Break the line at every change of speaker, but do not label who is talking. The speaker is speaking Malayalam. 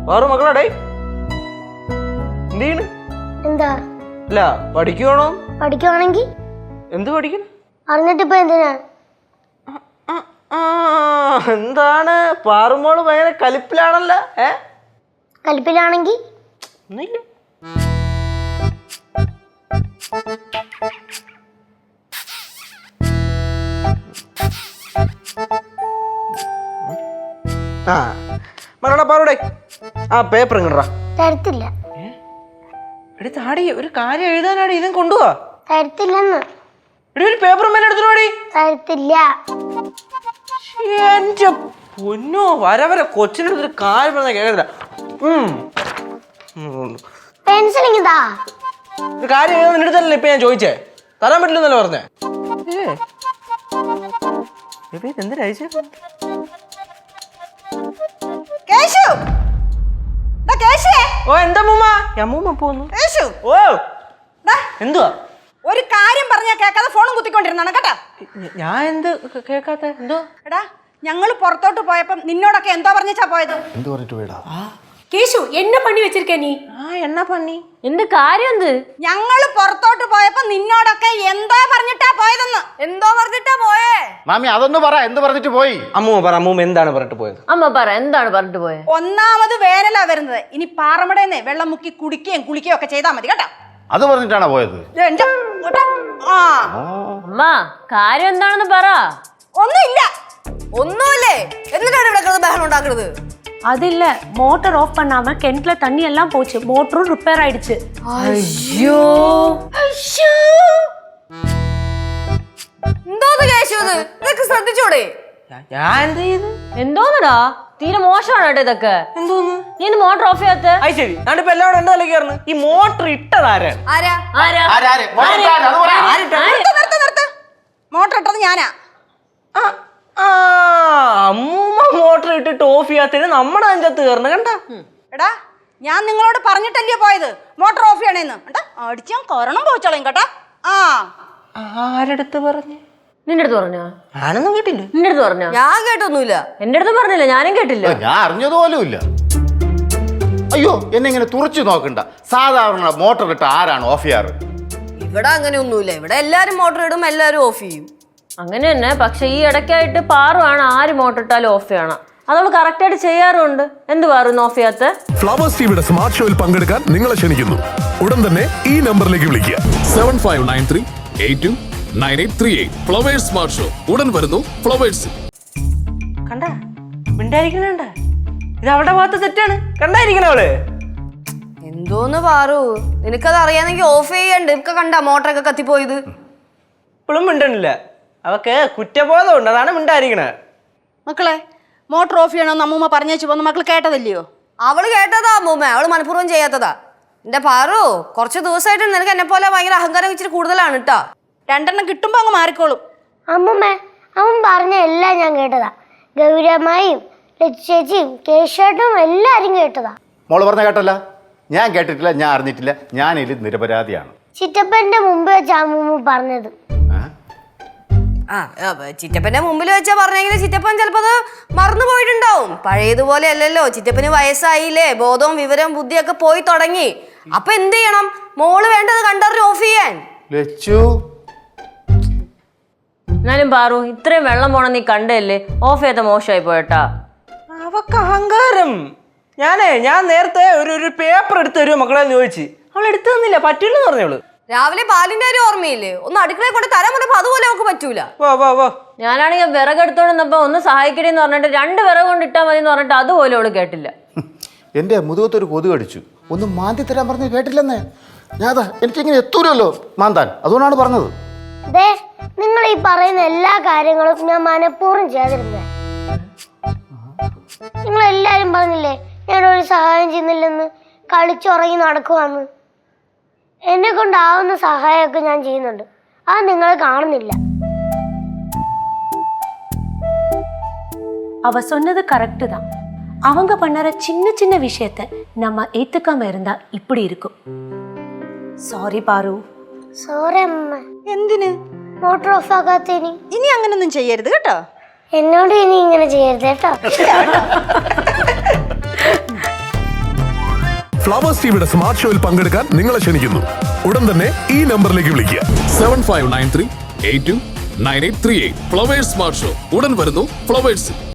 വേറെ മക്കളാടേ എന്ത്
എന്താ
അല്ല പഠിക്കുവാണോ?
പഠിക്കുവാണെങ്കിൽ
എന്ത് പഠിക്കണം?
അറിഞ്ഞിട്ടിപ്പോ എന്തിനാ?
എന്താണ് പാറുമോള് ഭയങ്കര കലിപ്പിലാണല്ലോ.
കലിപ്പിലാണെങ്കിൽ
ഒന്നുമില്ല. ആ മകളാ പാറൂടെ ആ പേപ്പർ ഇങ്ങടാ.
തരത്തില്ല.
താടി ഒരു കാര്യം എഴുതാനാടി ഇതും കൊണ്ടുപോവാ.
തരത്തില്ലെന്ന്.
ഒരു പേപ്പർ മേലെ എടുത്തോടി.
തരത്തില്ല.
എന്റെ പൊന്നോ വരെ കൊച്ചിനടുത്തൊരു കാര്യം പറഞ്ഞാൽ കേൾക്കത്തില്ല.
പെൻസിൽ ഇങ്ങതാ.
ഒരു കാര്യം എഴുതാൻ നിന്റെ അടുത്തല്ലേ ഇപ്പൊ ഞാൻ ചോദിച്ചേ? തരാൻ പറ്റില്ലെന്നല്ലേ പറഞ്ഞേ? എന്തിനാ ഓ എന്താ മൂമ്മ? അമ്മൂമ്മ പോന്നു. ഓ എന്തുവാ?
ഒരു കാര്യം പറഞ്ഞാ കേൾക്കാതെ ഫോണും കുത്തിക്കൊണ്ടിരുന്നാണ് കേട്ടോ.
ഞാൻ എന്ത് കേൾക്കാത്ത? എന്തോ
എടാ ഞങ്ങള് പുറത്തോട്ട് പോയപ്പോ നിന്നോടൊക്കെ എന്തോ പറഞ്ഞാ പോയത്?
എന്ത് പറഞ്ഞിട്ട് പോയടാ?
കേശു என்ன பண்ணி வச்சிருக்க நீ?
എന്നാ പണി?
എന്ത് കാര്യം എന്ത്?
ഞങ്ങള് പുറത്തോട്ട് പോയപ്പോ നിന്നോടൊക്കെ എന്തോ പറഞ്ഞിട്ടാ പോയതെന്ന്. എന്തോ പറഞ്ഞിട്ടാ പോയേ?
മാമി അതൊന്ന് പറ, എന്ത് പറഞ്ഞിട്ട് പോയി?
അമ്മൂമ്മ പറ, അമ്മൂമ്മ എന്താണ് പറഞ്ഞിട്ട് പോയത്?
അമ്മ പറ, എന്താണ് പറഞ്ഞിട്ട് പോയത്?
ഒന്നാമത് വേനലാ വരുന്നത്. ഇനി പാറമടേന്ന് വെള്ളം മുക്കി കുടിക്കുകയും കുളിക്കുകയും ഒക്കെ ചെയ്താൽ മതി കേട്ടോ.
അത് പറഞ്ഞിട്ടാണോ പോയത്?
അമ്മ കാര്യം എന്താണെന്ന് പറ.
ഒന്നുമില്ല. ഒന്നുമില്ലേ എന്നിട്ടാണ് ഇവിടെ ബഹളം ഉണ്ടാക്കുന്നത്?
அது இல்ல மோட்டார் ஆஃப் பண்ணாம கிணத்துல தண்ணி எல்லாம் போச்சு, மோட்டரும் ரிப்பேர் ஆயிடுச்சு.
അയ്യോ എന്തോന്ന് കേശു ഇത്? ഇതൊക്കെ ശ്രദ്ധിച്ചോടെ?
ഞാൻ എന്ത് ചെയ്ത്?
എന്തോന്നടാ തീരെ മോശമാണ് കേട്ടോ ഇതൊക്കെ.
എന്തോന്ന്?
നീ മോട്ടർ ഓഫ് ചെയ്യാത്ത?
അത് ശരി. ഞാനിപ്പോ എല്ലാവരും എന്താ കയറുന്നു? ഈ മോട്ടർ ഇട്ടതാരാണ്?
മോട്ടർ ഇട്ടത് ഞാനാ.
അമ്മൂമ്മ മോട്ടർ ഇട്ടിട്ട് ഓഫ് ചെയ്യാത്തതിന് നമ്മുടെ അഞ്ചത്ത് കയറണം കണ്ട.
എടാ ഞാൻ നിങ്ങളോട് പറഞ്ഞിട്ടല്ലേ പോയത് മോട്ടർ ഓഫ് ചെയ്യണേന്ന്. അടിച്ചാൻ കൊറണം പോയിച്ചോളയും കേട്ടാ.
ആരടുത്ത് പറഞ്ഞു?
നിന്റെ അടുത്ത് പറഞ്ഞോ?
ഞാനൊന്നും കേട്ടില്ല.
നിന്റെ അടുത്ത് പറഞ്ഞോ?
ഞാൻ കേട്ടൊന്നുമില്ല.
എന്റെ അടുത്ത് പറഞ്ഞില്ല, ഞാനും കേട്ടില്ല.
ഞാൻ അറിഞ്ഞതുപോലുമില്ല. അയ്യോ എന്നെ ഇങ്ങനെ തുറച്ചു നോക്കണ്ട. സാധാരണ മോട്ടർ ഇട്ട് ആരാണ് ഓഫ് ചെയ്യാറ്?
ഇവിടെ അങ്ങനെ ഒന്നുമില്ല. ഇവിടെ എല്ലാരും മോട്ടർ ഇടും, എല്ലാരും ഓഫ് ചെയ്യും.
അങ്ങനെ തന്നെ. പക്ഷെ ഈ ഇടയ്ക്കായിട്ട് പാറുവാണ് ആര് മോട്ടർ ഇട്ടാലും ഓഫ് ചെയ്യണം. അതവള് കറക്റ്റ് ആയിട്ട് ചെയ്യാറുണ്ട്. എന്ത് പാറു ഓഫ് ചെയ്യാത്ത?
ഫ്ലവേഴ്സ് ടിവിയുടെ സ്മാർട്ട് ഷോയിൽ പങ്കെടുക്കാൻ നിങ്ങളെ ക്ഷണിക്കുന്നു. ഉടൻ തന്നെ ഈ നമ്പറിലേക്ക് വിളിക്കുക. 7593829838. ഫ്ലവേഴ്സ് സ്മാർട്ട് ഷോ ഉടൻ വരുന്നു ഫ്ലവേഴ്സ്.
കണ്ട മിണ്ടായിരിക്കണ ഇത് അവളുടെ ഭാഗത്ത് തെറ്റാണ്. കണ്ടായിരിക്കണ അവള്.
എന്തോന്ന് പാറു, നിനക്കത് അറിയാന്നെങ്കിൽ ഓഫ് ചെയ്യണ്ട്. ഇപ്പൊ കണ്ട മോട്ടറൊക്കെ കത്തിപ്പോയത്.
ഇപ്പോഴും മിണ്ടണില്ല. അവക്ക് കുറ്റബോധം ഉണ്ട്, അതാണ് മിണ്ടായിരിക്കണേ.
മക്കളെ മോട്ടർ ഓഫ് ചെയ്യണമെന്ന് അമ്മൂമ്മ പറഞ്ഞേച്ചു പോന്ന് മക്കൾ കേട്ടതല്ലയോ? അവള് കേട്ടതാ അമ്മൂമ്മ, അവള് മനഃപൂർവ്വം ചെയ്യാത്തതാ. എന്റെ പാറു കുറച്ച് ദിവസമായിട്ട് നിനക്ക് എന്നെ പോലെ ഭയങ്കര അഹങ്കാരം ഇച്ചിരി കൂടുതലാണ് കേട്ടാ. രണ്ടെണ്ണം കിട്ടുമ്പോ അങ്ങ് മാറിക്കോളും.
അമ്മൂമ്മ അവൻ പറഞ്ഞ എല്ലാം ഞാൻ കേട്ടതാ. ഗൗരമ്മയും ചേച്ചിയും കേശേട്ടും എല്ലാരും കേട്ടതാ.
മോള് പറഞ്ഞ കേട്ടല്ല? ഞാൻ കേട്ടിട്ടില്ല, ഞാൻ അറിഞ്ഞിട്ടില്ല. ഞാനിതിൽ നിരപരാധിയാണ്.
ചിറ്റപ്പന്റെ മുമ്പ് വെച്ച അമ്മൂമ്മ പറഞ്ഞത്.
ചിറ്റപ്പന്റെ മുമ്പിൽ വെച്ചാ പറഞ്ഞെങ്കിൽ ചിറ്റപ്പൻ ചിലപ്പോ അത് മറന്നു പോയിട്ടുണ്ടാവും. പഴയതുപോലെ അല്ലല്ലോ, ചിറ്റപ്പന് വയസ്സായില്ലേ, ബോധവും വിവരവും ബുദ്ധിയൊക്കെ പോയി തുടങ്ങി. അപ്പൊ എന്ത് ചെയ്യണം? മോള് വേണ്ടത് കണ്ടറിഞ്ഞ് ഓഫ് ചെയ്യാൻ.
എന്നാലും പാറു ഇത്രയും വെള്ളം പോണം നീ കണ്ടല്ലേ, ഓഫ് ചെയ്ത മോശമായി പോയട്ടാ.
അവക്ക് അഹങ്കാരം. ഞാൻ നേരത്തെ ഒരു പേപ്പർ എടുത്ത് തരുമോ മക്കളെ ചോദിച്ചു. അവൾ എടുത്തു തന്നില്ല, പറ്റില്ലെന്ന് പറഞ്ഞവള്.
രാവിലെ പാലിന്റെ ഒരു ഓർമ്മയില്ലേ? ഒന്ന് അടുക്കളയിൽ കൊണ്ട് തരാൻ പറഞ്ഞപ്പോ അതുപോലെ അവൾക്ക് പറ്റൂല.
ഞാനാണെങ്കിൽ വിറക് എടുത്തോണ്ടിരുന്നപ്പോ ഒന്ന് സഹായിക്കണേന്ന് പറഞ്ഞിട്ട് 2 വിറക് കൊണ്ട് ഇട്ടാ മതി എന്ന് പറഞ്ഞിട്ട് അതുപോലെ അവള് കേട്ടില്ല.
എന്റെ മുതുകത്തൊരു കൊതു കടിച്ചു. ഒന്ന് മാന്തി തരാൻ പറഞ്ഞു കേട്ടില്ലെന്നേ. ഞാതാ എനിക്കിങ്ങനെ എത്തൂരല്ലോ മാന്താൻ, അതുകൊണ്ടാണ് പറഞ്ഞത്.
നിങ്ങൾ ഈ പറയുന്ന എല്ലാ കാര്യങ്ങളും ഞാൻ മനഃപൂർവ്വം ചെയ്യാതിരുന്നേ. നിങ്ങൾ എല്ലാരും പറഞ്ഞില്ലേ ഞാനൊരു സഹായം ചെയ്യുന്നില്ലെന്ന്, കളിച്ചുറങ്ങി നടക്കുവാന്ന്. എന്നെ കൊണ്ടാവുന്ന സഹായമൊക്കെ ഞാൻ ചെയ്യുന്നുണ്ട്, അത് നിങ്ങൾ കാണുന്നില്ല.
அவ சொன்னது கரெக்ட் தான். அவங்க பண்ணற சின்ன சின்ன விஷயத்தை நம்ம ஏத்துக்காம இருந்தா இப்படி இருக்கும். സോറി പാറു.
സോറി അമ്മ.
എന്തിന്?
മോട്ടോർ ഓഫ് ആക്കാത്തതിന്.
ഇനി അങ്ങനൊന്നും ചെയ്യരുത് കേട്ടോ.
എന്നോട് ഇനി ഇങ്ങനെ ചെയ്യരുത് കേട്ടോ.
ഫ്ലവേഴ്സ് ടിവിയുടെ സ്മാർട്ട് ഷോയിൽ പങ്കെടുക്കാൻ നിങ്ങളെ ക്ഷണിക്കുന്നു. ഉടൻ തന്നെ ഈ നമ്പറിലേക്ക് വിളിക്കുക.
7593829838. ഫ്ലവേഴ്സ് സ്മാർട്ട് ഷോ ഉടൻ വരുന്നു ഫ്ലവേഴ്സ്.